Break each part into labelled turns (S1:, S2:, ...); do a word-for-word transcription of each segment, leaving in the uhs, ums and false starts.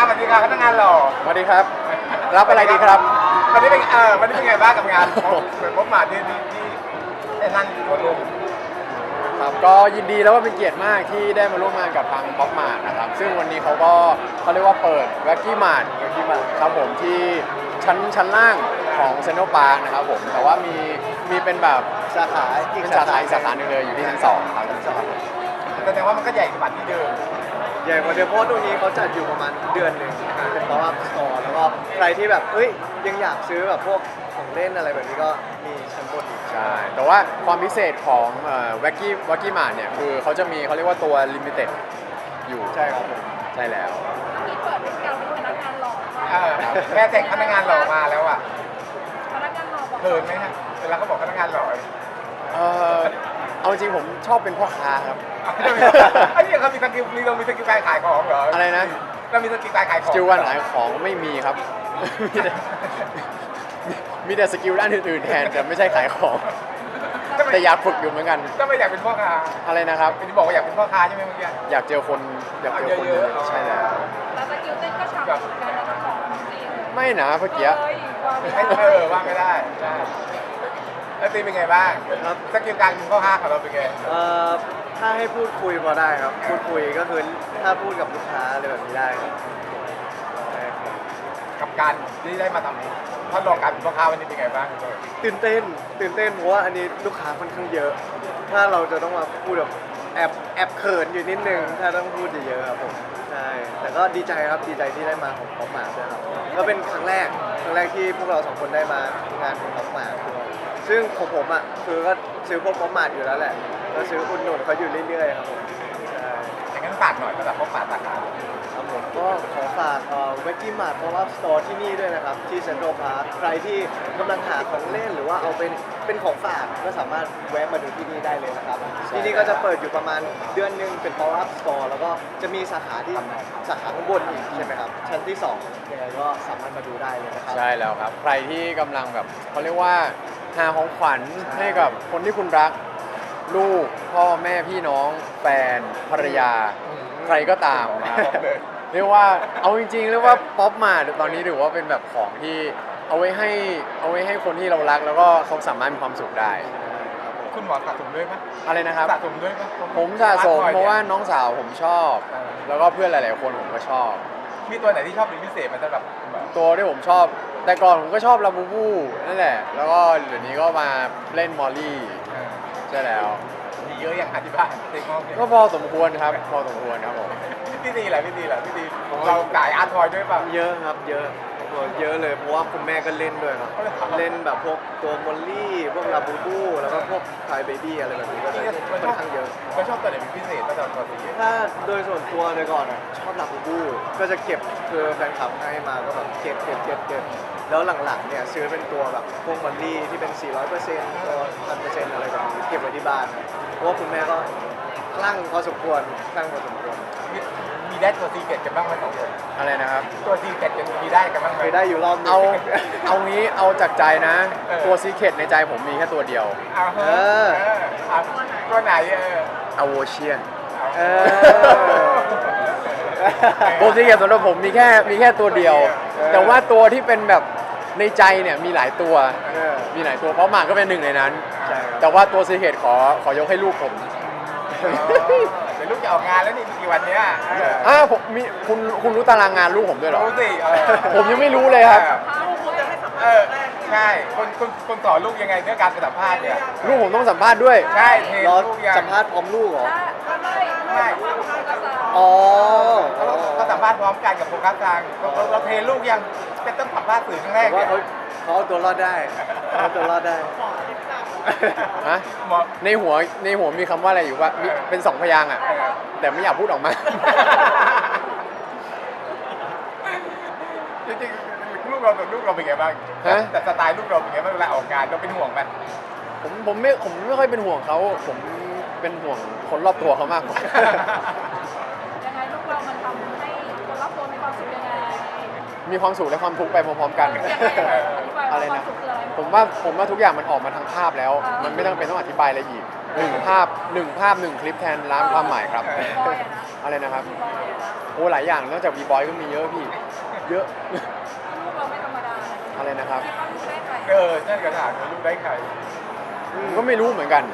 S1: สวัสดีครับพนักงานหล่อ
S2: สวัสดีครับรับอะไรดีครับ
S1: วันนี้เป็นเออวันนี้เป็นไงบ้างกับงานเหมือนพบมาที่ที่ที่ไอ้นั่นโคตร
S2: ครับก็ยินดีแล้วว่าเป็นเกียรติมากที่ได้มาร่วมงานกับทางป๊อปมาร์ทนะครับซึ่งวันนี้เขาก็เขาเรียกว่าเปิดแว็กกี้มาร์ทแว็กกี้มาร์ทครับผมที่ชั้นชั้นล่างของเซ็นทรัลพาร์คนะครับผมแต่ว่ามีมีเป็นแบบ
S3: สาขาอีก
S2: เป็นสาขาอีกสาขาหนึ่งเลยอยู่ที่ชั้นสองครับชั้นสอง
S1: แสดงว่ามันก็ใหญ่กว่าที่เดิม
S3: ใหญ่กว่าเดิมเพราะตรงนี้เขาจัดอยู่ประมาณเดือนหนึ่งเป็นเพราะว่าสตอร์แล้วก็ใครที่แบบเอ้ยยังอยากซื้อแบบพวกของเล่นอะไรแบบนี้ก็มีชั้นบนอีก
S2: ใช่แต่ว่าความพิเศษของแว็กกี้แว็กกี้มาร์ทเนี่ยคือเขาจะมีเขาเรียกว่าตัวลิมิเต็ดอยู่
S3: ใช่ครับผม
S2: ใช่แล้ว
S4: มีเปิดเป็นการเป็นพนักงานหล่อ
S1: แค่แต่งพนักงานหล่อมาแล้วอ่ะ
S4: พนักงานหล่อบอก
S1: เขินไหมฮะเวลาเขาบอกพนักงานหล่อ
S2: เออเอาจริงผมชอบเป็นพ่อค้าครับ
S1: ไอ้นี่เขามีสกิลมีเรามีสกิลการขายของเหรอ
S2: อะไรนะ
S1: เรามีสกิลการขายของ
S2: สกิลการขายของไม่มีครับมีแต่มีแต่สกิลด้านอื่นๆแทนแต่ไม่ใช่ขายของแต่อยากฝึกอยู่เหมือนกัน
S1: ก็ไม่อยากเป็นพ่อค้า
S2: อะไรนะครับ
S1: ที่บอกว่าอยากเป็นพ่อค้าใช่ไหมเมื่อกี้
S2: อยากเจอคนอยากเจอคนเยอะใช่แล้ว
S4: แล้วสกิลเต้นก็ฉ่ำเหมือนกันนะของจริง
S2: ไม่นะเมื่อกี้
S1: เออว่าไม่ได้ใช่แล้วตีเป็นไงบ้างครับสกิลการเป็นพ่อค้าของเราเป็นไง
S3: เอ่อถ้าให้พูดคุยพอได้ครับพูดคุยก็คือถ้าพูดกับลูกค้าอะไรแบบนี้ได้ครับ
S1: กับการที่ได้มาทำทดลองการเป็นพ่อค้าวันนี้เป็นไงบ้าง
S3: ตื่นเต้นตื่นเต้นเพราะว่าอันนี้ลูกค้าค่อนข้างเยอะถ้าเราจะต้องมาพูดแบบแอบแอบเขินอยู่นิดนึงถ้าต้องพูดเยอะๆครับผมใช่แต่ก็ดีใจครับดีใจที่ได้มาของป๊อปมาร์ทด้วยครับก็เป็นครั้งแรกครั้งแรกที่พวกเราสองคนได้มางานของป๊อปมาร์ทด้วยซึ่งของผมอ่ะคือก็ซื้อพวกป๊อปมาร์ทอยู่แล้วแหละก็ซื้ออุดหนุนเขาอยู่เรื่อยๆครับผมใช่
S1: อย่างนั้นฝากหน่อยสำหรับป๊อปมาร์ทสาขา
S3: ครับผมก็ขอฝากเอ่อเวกกี้มาร์ทเพราะว่าสตอร์ที่นี่ด้วยนะครับที่เซ็นทรัลพาร์คใครที่กำลังหาของเล่นหรือว่าเอาเป็นเป็นของฝากก็สามารถแวะมาดูที่นี่ได้เลยนะครับที่นี่ก็จะเปิดอยู่ประมาณเดือนหนึงเป็น pop up store แล้วก็จะมีสาขาที่สาขาข้างบนอีกใช่ไหมครับชั้นที่สองยังไงก็สามารถมาดูได้เลยนะครับ
S2: ใช่แล้วครับใครที่กำลังแบบเขาเรียกว่าหาของขวัญให้กับคนที่คุณรักลูกพ่อแม่พี่น้องแฟนภรรยาใครก็ตามนะครับเรียกว่าเอาจริงๆเรียกว่าป๊อปมาตอนนี้ถือว่าเป็นแบบของที่เอาไว้ให้เอาไว้ให้คนที่เรารักแล้วก็เขาสามารถมีความสุขได้
S1: คุณหมอสะสมด้วยไหม
S2: อะไรนะครับ
S1: สะสมด้วยไหม
S2: ผมสะสมเพราะว่าน้องสาวผมชอบแล้วก็เพื่อนหลายๆคนผมก็ชอบ
S1: มีตัวไหนที่ชอบเป็นพิเศษไหมสำหรับ
S2: ตัวที่ผมชอบแต่ก่อนผมก็ชอบลาบูบูนั่นแหละแล้วก็เดี๋ยวนี้ก็มาเล่นมอลลี่ใช่แล้ว
S1: มีเยอะอย่างอธิบาย
S2: ก็พอสมควรครับพอสมควรครับผม
S1: พี่ดีแหละพี่ดีแหละพี่ดีเราขายอาร์ตทอยด้วยป่ะ
S3: เยอะครับเยอะเยอะเลยเพราะว่าคุณแม่ก็เล่นด้วยครับเล่นแบบพวกตัวมอลลี่พวกลาบูบูแล้วก็พวกคายเบบี้อะไรแบบนี้ก็ค่อนข้างเยอะ
S1: ก็ชอบตัวไหนเป็นพิเศษก็จะตัวสี
S3: ถ้าโดยส่วนตัวเลยก่อนอ่ะชอบลาบูบูก็จะเก็บคือแฟนคลับให้มาก็แบบเก็บเก็บเก็บเก็บแล้วหลังๆเนี่ยซื้อเป็นตัวแบบพวกมอลลี่ที่เป็น สี่ร้อยเปอร์เซ็นต์ ตัว หนึ่งพันเปอร์เซ็นต์ อะไรแบบนี้เก็บไว้ที่บ้านเพราะว่าคุณแม่ก็คลั่งพอสมควรคลั่งพอสมควร
S1: มีได้ตัวซีเกตกันบ้างไหมสองคน
S2: อะไรนะครับ
S1: ตัวซีเกตกันมีได้กันบ้างไหม
S3: เคยได้อยู่รอบนึง
S2: เอาเอางี้เอาจากใจนะตัวซีเกตในใจผมมีแค่ตัวเดียว
S1: เออตัวไหนเออ
S2: อโวเชียน
S3: เออ
S2: ตัวซีเกตสำหรับผมมีแค่มีแค่ตัวเดียวแต่ว่าตัวที่เป็นแบบในใจเนี่ยมีหลายตัวมีหลายตัวเพราะหมากก็เป็นหนึ่งในนั้นแต่ว่าตัวซีเกตขอขอยกให้ลูกผม
S1: เป็นลูกจะออกงานแล้วนี่กี่วันเนี้ย
S2: อ่าผมมีคุณคุณรู้ตารางงานลูกผมด้วยเหรอ
S1: รู้สิ
S2: ผมยังไม่รู้เลยครับ
S1: เออใช่คนคนคนสอนลูกยังไงเรื่องการสัมภาษณ์เนี่ย
S2: ลูกผมต้องสัมภาษณ์ด้วย
S1: ใช่
S3: รอสัมภาษณ์พร้อมลูกเหรอ
S1: ใช่
S3: อ๋อ
S1: เขาสัมภาษณ์พร้อมกันกับโฟกัสกลางเราเทลูกยังเป็นต้องสัมภาษณ์สื่อครั้งแรก
S3: ว่าเขาเขาเอาตัวรอดได้เขาตัวรอดได้
S2: ฮะในหัวในหัวมีคำว่าอะไรอยู่ว่าเป็นสองพยางค์อ่ะแต่ไม่อยากพูดออกมา
S1: จริงๆลูกเราลูกเราเป็นไงบ้างแต่สไตล์ลูกเราเป็นไงบ้างเวลาออกงานเราเป็นห่วงไหม
S2: ผมผมไม่ผมไม่ค่อยเป็นห่วงเขาผมเป็นห่วงคนรอบตัวเขามากกว่า
S4: ยังไงลูกเรามันทำให้คนรอบตัวมีความสุขยังไง
S2: มีความสุขและความทุกข์ไปพร้อมๆกันอะไรนะผมว่าผมว่าทุกอย่างมันออกมาทางภาพแล้วมันไม่ต้องเป็นต้องอธิบายอะไรอีกหนึ่งภาพหนึ่งภาพหนึ่งคลิปแทนล้านความหมายครับอะไรนะครับโอ้หลายอย่างนอกจากบีบอยก็มีเยอะพี่ เยอะ
S4: ลูกเราไม่ธรรมดา
S2: อะไรนะครับ
S4: คิดว่าลูกได้ใคร
S1: เออนั่นกระถางลูกได้ใคร
S2: ผมก็ไม่รู้เหมือนกัน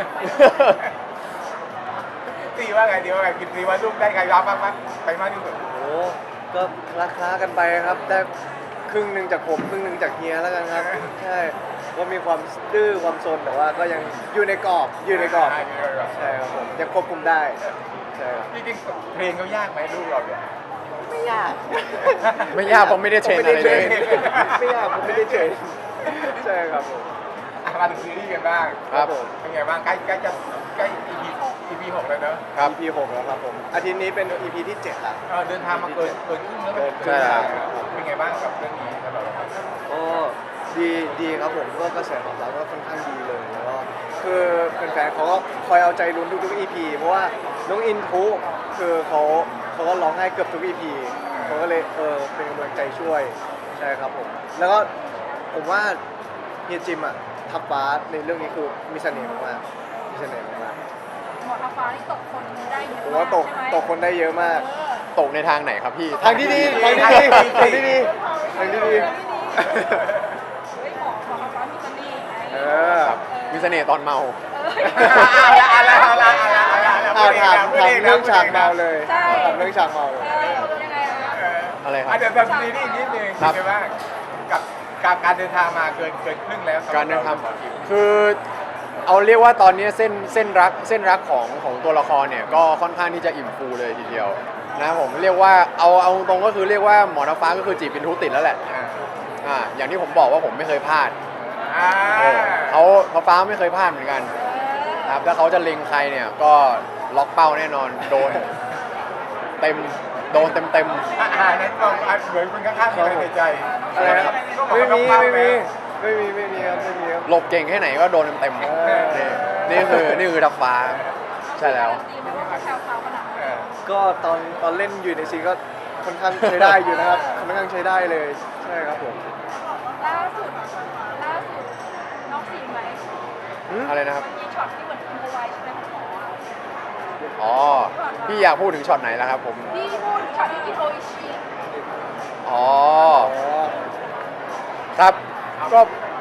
S1: ตีว่าไงดีว่าไงคิดตีว่าลูกได้ใครรับบ้างมั้ยไปมากที่สุด
S3: โอ้ก็ราคากันไปครับได้ครึ่งหนึ่งจากผมครึ่งหนึ่งจากเฮียแล้วกันครับใช่ก็มีความดื้อความซนแต่ว่าก็ยังอยู่ในกรอบอยู่ในกรอบใช่ครับผมยังควบคุมได้ใช่ครับ
S1: จริงๆเพลงเขายากไหมลูกเราเนี่ย
S3: ไม่ยาก
S2: ไม่ยากผมไม่ได้เทรนอะไรเลย
S3: ไม่ยากผมไม่ได้เทรนใช่ครับผม
S1: อ่ะมาถึงซีรีส์กันบ้าง
S2: ครับ
S3: ผม
S1: เป็นไงบ้างใกล้ใกล้จะใกล้ อี พี อี พี หกแล้วเนอะ
S2: ครับ
S3: อี พี หกแล้วครับผมอาทิตย์นี้เป็น อี พี ที่เจ็ดละ
S1: เออเดินทางมาเกินเกินครึ่งแล้ว
S2: ใช่ครับ
S1: เป็นไงบ้างกับเรื่องนี้สำหรับเรา
S3: ก็ดีดีครับผมก็กระแสตอบรับก็ค่อนข้างดีเลยแล้วก็คือแฟนๆเขาก็คอยเอาใจลุ้นทุกๆ อี พี เพราะว่าน้องอินทุคือเขาเขาก็ร้องไห้เกือบทุก อี พี เขาก็เลยเออเป็นกำลังใจช่วยใช่ครับผมแล้วก็ผมว่าเฮียจิมอ่ะทับฟ้าในเรื่องนี้คือมีเสน่ห์มากๆมีเสน่ห์มาก
S4: หมอทัพฟ้านี่ตกคนได้เยอะ
S3: ๆผมว่าตก
S4: ใช่ไหม
S3: ตกคนได้เยอะมาก
S4: เออ
S2: ตกในทางไหนครับพี่
S3: ทางที่ดีทางที่ดีทางที่ดีทางที่ดี
S4: เฮ้ยหมอหมอทัพฟ้ามีเสน่ห์ไง
S3: เออ
S2: ครับ มีเสน่ห์ตอนเมา
S4: เออ
S1: เอาละเอาละเอาละเอาละเอาละ
S3: เอาถามถามเรื่องฉากเมาเลย
S4: ใช่
S3: ถามเรื่องฉากเมาเลย
S4: เออยังไงอะ
S2: อะไรครับ
S1: อาจจะแบบซีรีส์นิดนึง
S2: ครับ
S1: ใช่ไหมกับการการเดินทางมาเกินเกินครึ่งแล้วสำหบ
S2: การเดินทาง
S1: หมอคิว
S2: คือเอาเรียกว่าตอนนี้เส้นเส้นรักเส้นรักของของตัวละครเนี่ยก็ค่อนข้างที่จะอิ่มฟูเลยทีเดียวนะผมเรียกว่าเอาเอาตรงๆก็คือเรียกว่าหมอน้ำฟ้าก็คือจีบเป็นทุติดแล้วแหละ
S1: อ่า
S2: อ่าอย่างที่ผมบอกว่าผมไม่เคยพลาด
S1: อ่า
S2: เออเขาเขาฟ้าไม่เคยพลาดเหมือนกันนะครับถ้าเขาจะเล็งใครเนี่ยก็ล็อกเป้าแน่นอนโดนเต็มโดนเต็มเต็ม
S1: อ่าอ่านั่นก็เหมือนคุณข้างๆมีอะไรในใจ
S3: อะไรครับ
S1: ก็บอก
S3: ไม่
S1: ว่า
S3: มี
S1: ต้อง
S3: ไม่
S1: เป้า
S3: มี
S1: แล้ว
S3: ไม่มีไม่มีครับไม่มีครับ
S2: ๆหลบเก่งแค่ไหนก็โดนเต็มเต็มๆ
S3: เออ
S2: นี่นี่คือนี่คือทับฟ้าใช่แล้ว
S4: ดีไหมว่าเขาแซวเขาขนาดนั้น
S1: เออ
S3: ก็ตอนตอนเล่นอยู่ในซีนก็ค่อนข้างใช้ได้อยู่นะครับค่อนข้างใช้ได้เลยใช่ครับผม
S4: ล่าสุดล่าสุดน้องซีไหม
S3: หืม
S2: อะไรนะครับ
S4: มันมีช็อตที่เหมือนคุณไว้ใช่ไหมของหมออะ
S2: อ๋อพี่อยากพูดถึงช็อตไหนแล้วครับผม
S4: พี่พูดช็อตที่อิโทอิชิ
S2: อ๋อ
S3: อ๋อ
S2: ครับก็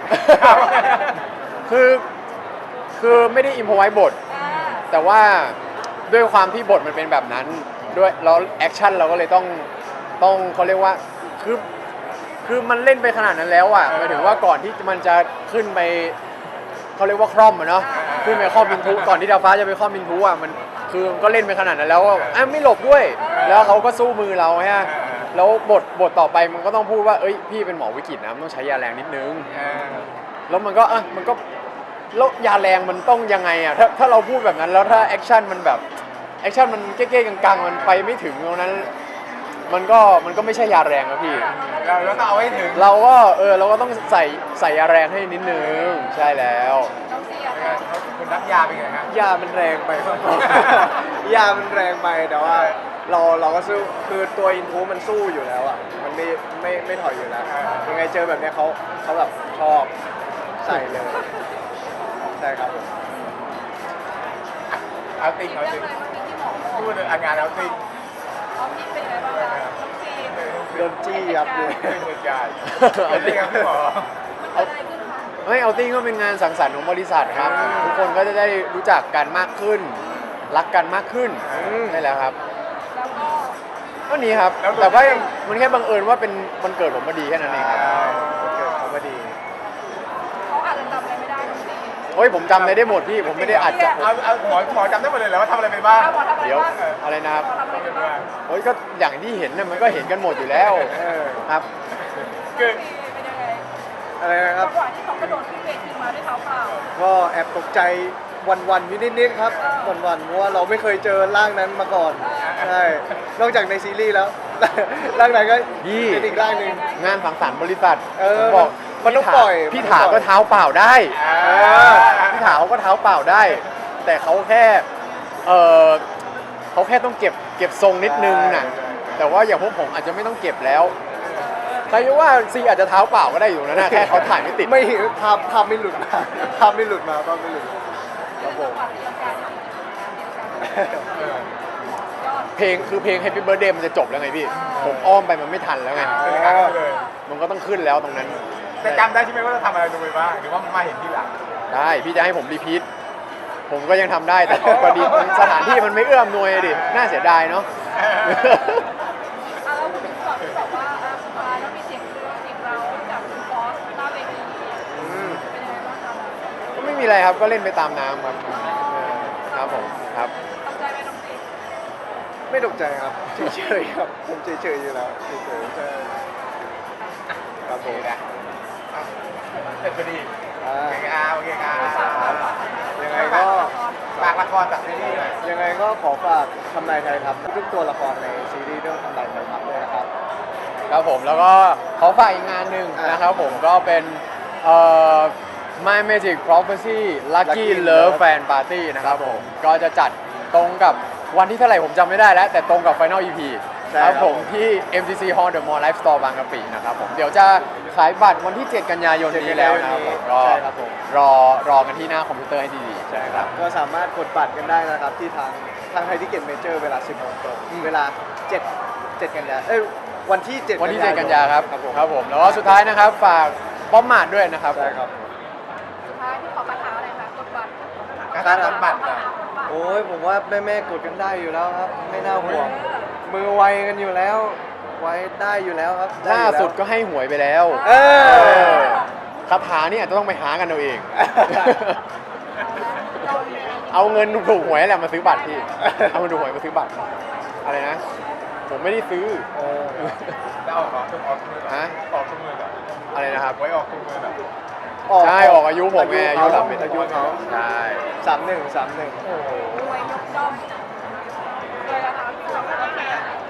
S2: คือคือไม่ได้อิมพอไว้บท
S4: อ่า
S2: แต่ว่าด้วยความที่บทมันเป็นแบบนั้นด้วยแล้วแอคชั่นเราก็เลยต้องต้องเขาเรียกว่าคือคือมันเล่นไปขนาดนั้นแล้วอ่ะหมายถึงว่าก่อนที่มันจะขึ้นไปเขาเรียกว่าคร่อมอะเนาะขึ้นไปคร่อมมินทุก่อนที่ดาวฟ้าจะไปคร่อมมินทุอ่ะมันคือก็เล่นไปขนาดนั้นแล้วอ่ะอ่ะไม่หลบด้วย แล้วเขาก็สู้มือเราฮะแล้วบทบทต่อไปมันก็ต้องพูดว่าเอ้ยพี่เป็นหมอวิกฤตนะมันต้องใช้ยาแรงนิดนึง
S1: เออ
S2: แล้วมันก็อ่ะมันก็แล้วยาแรงมันต้องยังไงอ่ะถ้าถ้าเราพูดแบบนั้นแล้วถ้าแอคชั่นมันแบบแอคชั่นมันเก๊ๆกังๆมันไปไม่ถึงตรงนั้น มันก็มันก็ไม่ใช่ยาแรงนะพี่
S1: เราเราต้องเอาให้ถึง
S2: เราก็เออเราก็ต้องใส่ใส่ยาแรงให้นิดนึงใช่แล้ว
S4: น้องซีอะ
S1: เป็นไงเขาคุณรับยาเป็นไงฮะ
S3: ยามันแรงไปครับ ยามันแรงไปแต่ว่าเราเราก็สู้คือตัวอินทูมันสู้อยู่แล้วอ่ะมันไม่ไม่ไม่ถอยอยู่แล้วยังไงเจอแบบเนี้ยเขาเขาแบบชอบใส่เลยใช่ครับผม
S1: เอาติง
S4: เรื่
S1: เอา
S4: อง
S1: ติง
S4: อะไรเมื่อกี้ที่หมอบอก
S1: พูดเลยอ่ะงานเอาติง
S4: น้องซีเป็นไงบ้างคะน้องซี
S3: โดนจี้ครับเลย
S1: เป็นเหตุการณ์เอาติงครับพี่หมอ
S4: มันเกิดอะไรขึ้นคะ
S2: ไม่เอาติ้งก็เป็นงานสังสรรค์ของบริษัทครับ ทุกคนก็จะได้รู้จักกันมากขึ้น รักกันมากขึ้นใช่แล้วครับ
S4: แล้วก็
S2: ก็นี้ครับแต่ว่ามันแค่บังเอิญว่าเป็นวันเกิดผมพอดีแค่นั้นเองครับ
S3: เกิดเขาพอดี
S4: เขาอาจจะจำอะไรไม่ได้น้องซี
S2: โอ้ยผมจำอะไรได้หมดพี่ผมไม่ได้อัดจาก
S1: เอาเอาหมอหมอจำได้หมดเลยเหรอว่าทำอะไรไปบ้าง
S4: เอาหมอทำอะไร
S2: เดี๋ยว
S4: บ้าง
S2: อะไรนะครับ
S4: หมอทำอะไรบ้าง
S2: โอ้ยก็อย่างที่เห็นน่ะมันก็เห็นกันหมดอยู่แล้ว
S3: เออ
S2: ครับ
S1: คือ
S4: เป็นยังไง
S3: อะไรนะค
S4: จั
S3: รับ
S4: งหวะที่เขากระโดดขึ้นเวทีมาด้วยเท้าเปล่า
S3: ก็แอบตกใจวันๆอยู่นิดๆครับวันๆเพราะว่าเราไม่เคยเจอร่างนั้นมาก่อนใช่นอกจากในซีรีส์แล้ว ร่างไหนก็
S2: พี่
S3: เป็นอีกร่างหนึ่ง
S2: งานสังสรรค์บริษัท
S3: เออ
S2: ผมบอก
S3: มันต้อง
S2: พี่ถา
S3: ปล่อย
S2: พี่
S3: มันต้อง
S2: ถา
S3: ปล่อย
S2: ก็เท้าเปล่าได้
S1: เออ
S2: พี่ถาเขาก็เท้าเปล่าได้ แต่เขาแค่เออเขาแค่ต้องเก็บเก็บทรงนิดนึงน่ะแต่ว่าอย่างพวกผมอาจจะไม่ต้องเก็บแล้วใครจะว่าซีอาจจะเท้าเปล่าก็ได้อยู่นะนะแค่เขาถ่ายไม่ติด
S3: ไม่ภาพภาพไม่หลุดมาภาพไม่หลุดมาภาพไม่หลุดครับผม
S4: จังหวะที่ร่างกายที่ดีนะเดียวกัน
S1: เออย
S4: อด
S2: เพลงคือเพลง Happy Birthday มันจะจบแล้วไงพี่ ผมอ้อมไปมันไม่ทันแล้วไง
S1: เป็นครั้งเลย
S2: มันก็ต้องขึ้นแล้วตรงนั้น
S1: แต่จำได้ใช่ไหมว่าเราทำอะไรลงไปบ้างหรือว่ามาเห็นทีหลัง
S2: ได้พี่จะให้ผมรีพีทผมก็ยังทำได้แต่พอดีสถานที่มันไม่เอื้อมหน่วยดิน่าเสียดายเนาะ
S4: อ่ะเราพูดถึงก่อนที่แบบว่าอ่ะสุดท้ายแล้วมีเสียงเรื่องเสียงเราจากคุณฟอสหน้าเวทีเป็นยังไงบ้างคะ
S2: ก็ไม่มีอะไรครับก็เล่นไปตามน้ำครับเออครับผมครับ
S4: ตกใจไหมน้องติ๊ก
S3: ไม่ตกใจครับเฉยๆครับผมเฉยๆอยู่แล้วเฉยๆใช่ครับ
S1: โอ
S3: ผ
S1: เค
S3: ม
S1: นะอ่ะเสร็จพอดี
S3: อ่า
S1: โอเคครับโอเคครับ
S3: ยังไงก็
S1: ฝากละครจากซีรีส์หน่อย
S3: ยังไงก็ขอฝากทำนายไทยทัพทุกตัวละครในซีรีส์เรื่องทำนายไทยทัพด้วยนะครับ
S2: ครับผมแล้วก็ขอฝากอีกงานหนึ่ง
S3: อ่าน
S2: นะครับผมก็เป็นเอ่อ My Magic Prophecy Lucky
S3: Lucky
S2: Love
S3: Love
S2: Fan Party นะครับผมก็จะจัดตรงกับวันที่เท่าไหร่ผมจำไม่ได้แล้ว แต่ตรงกับ Final อี พี
S3: ใช่
S2: ค
S3: ครั
S2: รับบ ผมที่ เอ็ม ซี ซี Hall The Mall Life Store บางกะปินะครับผมเดี๋ยวจะขายบัตรวันที่ เจ็ด กันยายนนี้แล้วนะครับผมก็
S3: ใช่ครับผม
S2: รอรอกันที่หน้าคอมพิวเตอร์ให้ดีๆ
S3: ใช่ครับก็สามารถกดบัตรกันได้นะครับที่ทางทางไทยทิเก็ตเมเจอร์เวลา สิบโมงตรง
S2: อืม
S3: เวลาเจ็ด เจ็ดกันยาเอ้ยวันที่เจ็ด
S2: วันที่ เจ็ด กันยาครับ
S3: ครับผม
S2: ครับผมแล้วก็สุดท้ายนะครับฝากป้อมมาดด้วยนะครับ
S3: ใช่ครับ
S4: สุดท้ายที่ขอคาถาอะไรคะกดบัตร
S1: การทำบัตร
S4: คา
S1: อ่ะ
S4: ถาของบัตร
S3: โอ้ยผมว่าแม่แม่ๆกดกันได้อยู่แล้วครับ ไม่น่าห่วง มือไวกันอยู่แล้ว ไวได้อยู่แล้วครับไ
S2: ล่า
S3: อยู่แว
S2: สุดก็ให้หวยไปแล้ว
S3: เออ
S2: เออคาถานี่อาจจะต้องไปหากันเอาเอง
S4: เราเนี่ย
S2: เอาเงินถูกหวยแหละมาซื้อบัตรพี่ เอาเงินถูกหวยมาซื้อบัตร อะไรนะ ผมไม่ได้ซื้อ
S3: เออ
S1: แล้วออกออกทุกออกทุกมือแบบ
S2: ฮะ
S1: ออกทุกมือแบบ
S2: อะไรนะครับ
S1: ไว้ออกทุกมือแบบ
S2: ใช่ออกอายุผมไงอายุ
S3: เขา
S2: สามสิบ
S3: อายุเขา
S2: ใช่
S3: สามหนึ่งสามหนึ่ง
S4: รวยยกย่อมเลยนะคะที่เราโอเค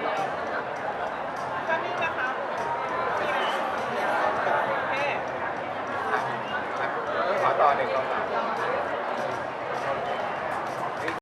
S4: ก็นี่นะคะโอเค
S1: ขอต่อหนึ่งคำถาม